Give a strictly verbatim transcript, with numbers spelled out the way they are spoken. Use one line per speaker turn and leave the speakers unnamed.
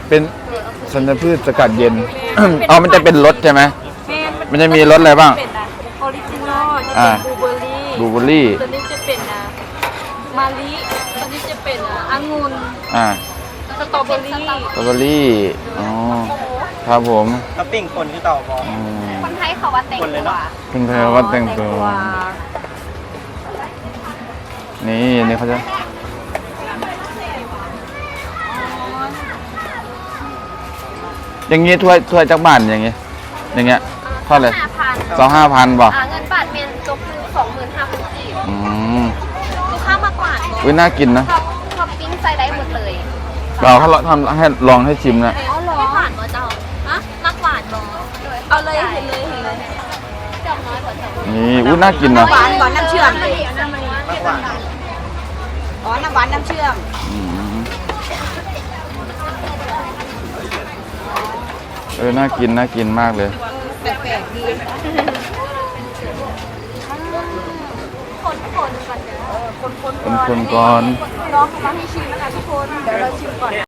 เป็นสัญพืชสกัดเย็นอ๋อมันจะเป็นรสใช่ไหมมันจะมีรสอะไรบ้าง
ออริจินอลจะ
อ่า
เป็นบลูเบอร์รี่
บลูเบอร์รี่
ตัวนี้จะเป็นอ่ะมาลิตัวนี้จะเป็นอ่ะองุ่น
อ่า
สตรอเบอรี่
สตรอเบอรี่อ๋อครับผม
ท็อปปิ้งคนที่ต่อบอล
อืม
คนไทยเขาว่าแต่ง
คนเลย
ตัว
เนาะ
คุณเธอว่าแต่งตัวนี่นี่เขาจะอย่างงี้ถ้วยถ้วยจักบ้านอย่างงี้อย่างเงี้ยเท่าไหร่
ห้าพัน
สองห้าพันบ่
อ่าเงินบาทเมนจบคือสองหมื่นห้าพันจีบ
อืม
ลูกค้ามากกว่า
อุ้ยน่ากินนะ
ท็อปท็อปปิ้งใส่ได้หมดเลย
เราเขาทำให้ลองให้ชิมนะ
เอาหรอไม่ผ่านมาเจ้าฮะนักหวานเนาะเอาเลยเห็นเลยเห็นเลยจำน้อยกว่าจำ
นี่อุ้ยน่ากินนะ
หวานหวานน้ำเชื่อม
มากกว่า
อ๋อ น้ำหวานน้ำเชื่อม
อืมเออน่ากินน่ากินมากเลย
แปลกๆดี
คนคนก่อนเดี๋ยว
คนคน
คนคนก่อน
น้องเขามาให้ชิมนะคะทุกคน เดี๋ยวเราชิมก่อน